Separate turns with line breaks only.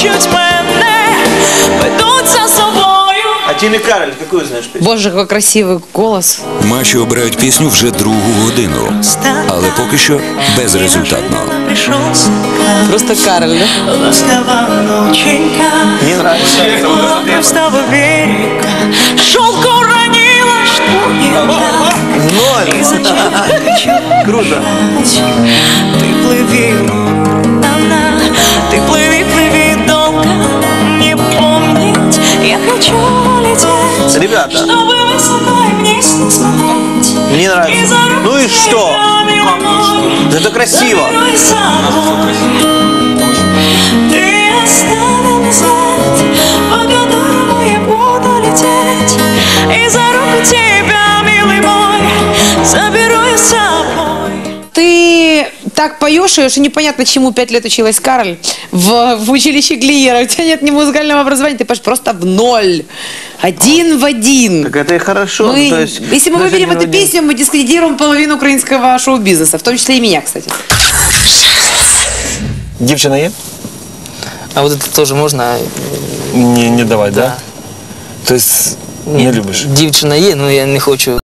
хочуть мене, ведуть за собою.
А Тіни Кароль, какую знаешь песню?
Боже, який красивий голос.
Маші обирають пісню вже другу годину, але поки що безрезультатно.
Просто Кароль, да?
Не нравится.
Шелку ранила, что
Ноль. Круто.
Ты плыви, ты плыви, плыви долго, не помнить. Я хочу лететь,
Ребята.
чтобы высоко и вниз не смотреть.
Мне нравится. Ну и что? Это красиво.
Ты оставил след, по которому я буду лететь. И за руку тебя, милый мой, заберу я с собой.
Ты так поешь, и непонятно, чему 5 лет училась Кароль в училище Глиера. У тебя нет ни музыкального образования, ты поешь просто в ноль. Один в один.
Так это и хорошо.
Мы,
То есть,
если мы
даже
выберем
один в
эту
один.
песню, мы дискредитируем половину украинского шоу-бизнеса, в том числе и меня, кстати.
Дівчина є?
А вот это тоже можно?
Не давай, да? Тобто не любиш?
Дівчина є, но я не хочу.